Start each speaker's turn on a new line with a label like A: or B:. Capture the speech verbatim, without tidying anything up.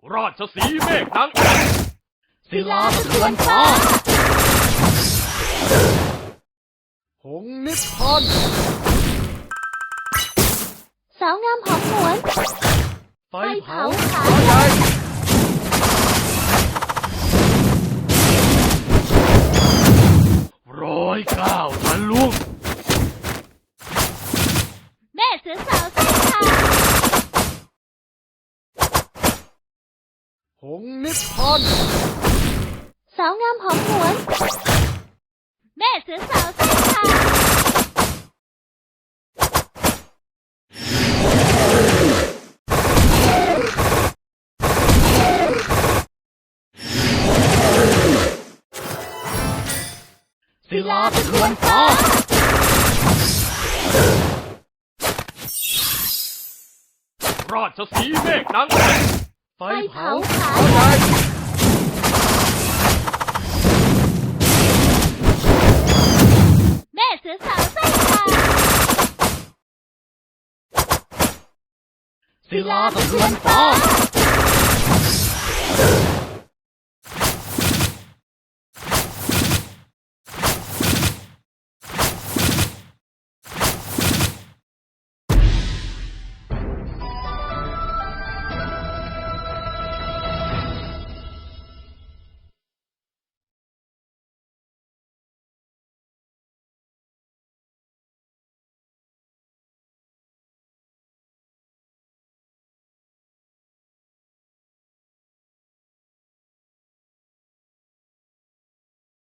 A: ราชสีห์เมฆนาง
B: ศิลาสะเทือนฟ้า
A: หงส์นิพพาน
B: สาวงามหอมหวน
A: ไฟเผา
B: ขา
A: ใหญ่ร้อยเก้าทะลุ
B: แม่เสือสาวไส้ขาด
A: หงส์นิพพาน
B: สาวงามหอมหวนแม่เสือสาวไส้ขาด
A: ศิลาสะเทือนฟ้าราชสีห์เมฆนางไฟเผาขาใหญ่
B: แม่เสือสาวไส้ขาด
A: ศิลาสะเทือนฟ้า